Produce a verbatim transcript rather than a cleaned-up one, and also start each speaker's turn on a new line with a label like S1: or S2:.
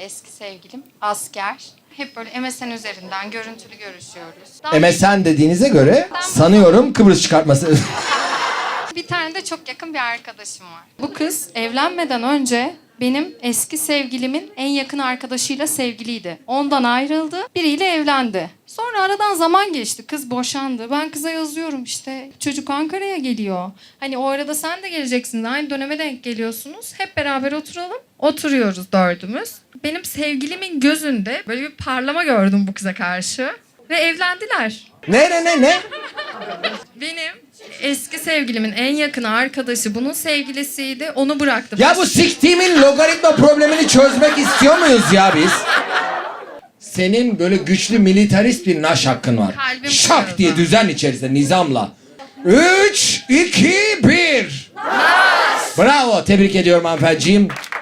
S1: eski sevgilim. Asker. Hep böyle M S N üzerinden görüntülü görüşüyoruz. Daha
S2: M S N dediğinize göre sanıyorum Kıbrıs çıkartması.
S1: bir tane de çok yakın bir arkadaşım var. Bu kız evlenmeden önce benim eski sevgilimin en yakın arkadaşıyla sevgiliydi. Ondan ayrıldı, biriyle evlendi. Sonra aradan zaman geçti, kız boşandı. Ben kıza yazıyorum işte, çocuk Ankara'ya geliyor. Hani o arada sen de geleceksin, aynı döneme denk geliyorsunuz. Hep beraber oturalım. Oturuyoruz dördümüz. Benim sevgilimin gözünde böyle bir parlama gördüm bu kıza karşı. Ve evlendiler.
S2: Ne ne ne ne?
S1: Benim eski sevgilimin en yakın arkadaşı bunun sevgilisiydi. Onu bıraktı.
S2: Ya bu siktiğimin logaritma problemini çözmek istiyor muyuz ya biz? Senin böyle güçlü militarist bir naş hakkın var.
S1: Kalbim
S2: Şak
S1: kırıldı.
S2: diye düzen içerisinde nizamla. Üç, iki, bir. Bravo, tebrik ediyorum hanımefendiciğim.